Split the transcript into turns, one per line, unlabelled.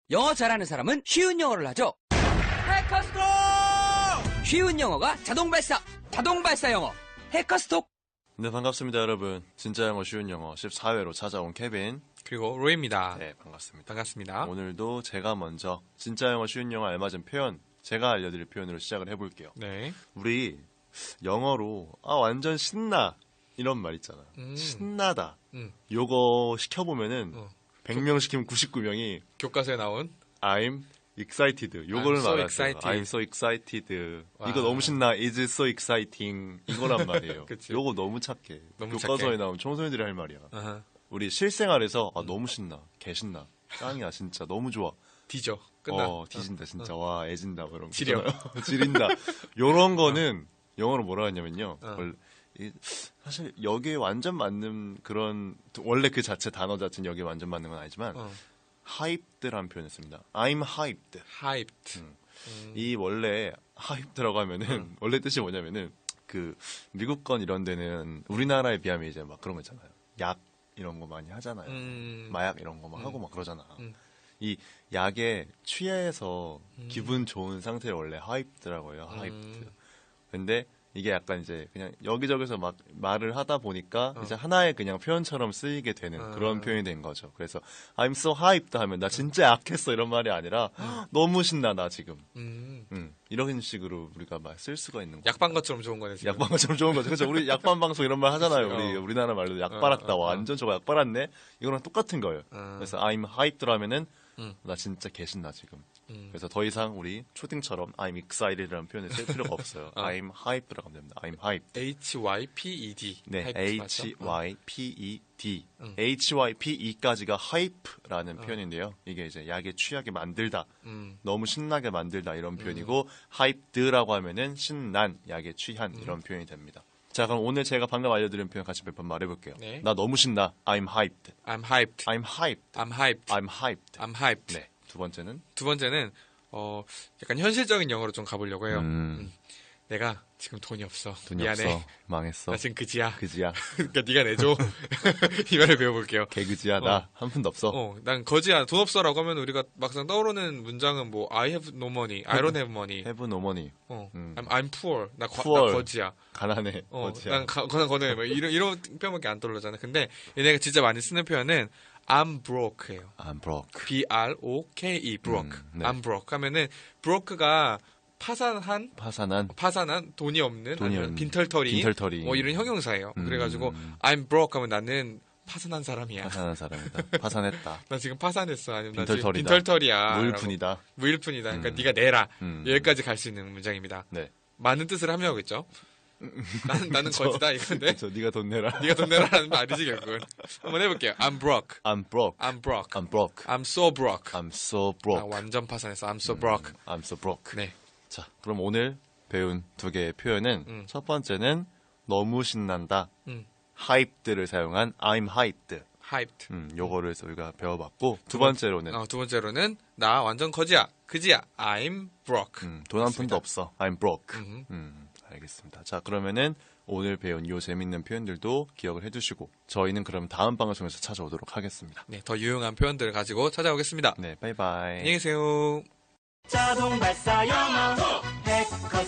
영어 잘하는 사람은 쉬운 영어를 하죠. 해커스톡! 쉬운 영어가 자동 발사 영어. 해커스톡!
네, 반갑습니다, 여러분. 진짜 영어 쉬운 영어 14회로 찾아온 케빈.
그리고 로이입니다.
네, 반갑습니다.
반갑습니다.
오늘도 제가 먼저 진짜 영어 쉬운 영어 알맞은 표현, 제가 알려드릴 표현으로 시작을 해볼게요.
네.
우리 영어로 완전 신나 이런 말 있잖아. 신나다. 요거 시켜보면은 100명 시키면 99명이
교과서에 나온
I'm excited. 요거를
I'm so
말하죠.
excited.
I'm so excited.
와.
이거 너무 신나. Is it so exciting? 이거란 말이에요.
그치.
요거 너무 착해.
너무
교과서에
착해.
나오면 청소년들이 할 말이야.
아하.
우리 실생활에서 너무 신나. 개 신나. 짱이야 진짜. 너무 좋아.
뒤져. 끝나.
뒤진다 진짜. 와 애진다 뭐 이런 거.
지려.
있잖아요. 지린다. 요런 거는 영어로 뭐라 하냐면요. 사실 여기에 완전 맞는 그런 원래 그 자체 단어 자체는 여기에 완전 맞는 건 아니지만 hyped라는 표현을 씁니다. I'm hyped.
hyped.
이 원래 hyped라고 하면은 원래 뜻이 뭐냐면은 그 미국 건 이런 데는 우리나라에 비하면 이제 막 그런 거 있잖아요. 약 이런 거 많이 하잖아요. 마약 이런 거 막 하고 막 그러잖아. 이 약에 취해서 기분 좋은 상태를 원래 hyped라고 해요. hyped. 근데 이게 약간 이제 그냥 여기저기서 막 말을 하다 보니까 이제 하나의 그냥 표현처럼 쓰이게 되는 그런 표현이 된 거죠. 그래서 I'm so hyped 하면 나 진짜 약했어 이런 말이 아니라 너무 신나 나 지금. 이런 식으로 우리가 말 쓸 수가 있는 거죠.
약반 것처럼 좋은 거네. 지금.
약반 것처럼 좋은 거죠. 그렇죠. 우리 약반 방송 이런 말 하잖아요. 우리나라 말로 약 빨았다. 완전 저거 약 빨았네. 이거랑 똑같은 거예요. 그래서 I'm hyped 하면은 나 진짜 개신나 지금. 그래서 더 이상 우리 초딩처럼 I'm excited라는 표현을 쓸 필요가 없어요. I'm hyped라고 하면 됩니다. I'm hyped.
H-Y-P-E-D.
네,
hyped 맞죠?
H-Y-P-E-D. H-Y-P-E까지가 hype라는 표현인데요. 이게 이제 약에 취하게 만들다, 너무 신나게 만들다 이런 표현이고 hyped라고 하면은 신난, 약에 취한 이런 표현이 됩니다. 자, 그럼 오늘 제가 방금 알려드린 표현 같이 몇 번 말해볼게요.
네.
나 너무 신나. I'm hyped.
I'm hyped.
I'm hyped.
I'm hyped.
I'm hyped.
I'm hyped.
네. 두 번째는
두 번째는 약간 현실적인 영어로 좀 가보려고 해요. 내가 지금 돈이 없어.
돈이
미안해.
없어. 망했어.
나 지금 그지야.
그지야.
그러니까 네가 내줘. 이 말을 배워볼게요.
개그지야. 나 한 푼도 없어.
난 거지야. 돈 없어라고 하면 우리가 막상 떠오르는 문장은 뭐 I have no money, I don't have money.
Have no money.
I'm poor. 나
poor.
거지야.
가난해. 거지야.
난 가난해. 뭐 이런 표현밖에 안 떠오르잖아. 근데 얘네가 진짜 많이 쓰는 표현은 I'm broke예요.
I'm broke.
B-R-O-K-E, broke.
네.
I'm broke 하면은 broke가 파산한 돈이 없는 아니면 빈털터리 뭐 이런 형용사예요. 그래가지고 I'm broke 하면 나는 파산한 사람이야.
파산한 사람이다. 파산했다.
나 지금 파산했어. 아니면 나 지금
빈털터리다.
빈털터리야.
무일푼이다.
무일푼이다. 그러니까 네가 내라. 여기까지 갈 수 있는 문장입니다.
네.
많은 뜻을 함유하고 있죠. 나는 거지다 이건데.
그렇죠. 네가 돈 내라.
네가 돈 내라라는 거 아니지 결국은. 한번 해볼게요. I'm broke.
I'm broke.
I'm broke.
I'm broke.
I'm so broke.
I'm so
나
broke.
완전 파산했어. I'm so broke.
I'm so broke.
네.
자, 그럼 오늘 배운 두 개의 표현은 첫 번째는 너무 신난다. hyped를 사용한 I'm hyped.
hyped.
요거를 우리가 배워봤고 두 번째로는
두 번째로는 나 완전 거지야. 그지야. I'm broke.
돈 한 푼도 없어. I'm broke. 알겠습니다. 자, 그러면은 오늘 배운 이 재밌는 표현들도 기억을 해두시고 저희는 그럼 다음 방송에서 찾아오도록 하겠습니다.
네, 더 유용한 표현들을 가지고 찾아오겠습니다.
네, 바이바이.
안녕히 계세요.
자동 발사 영어 해커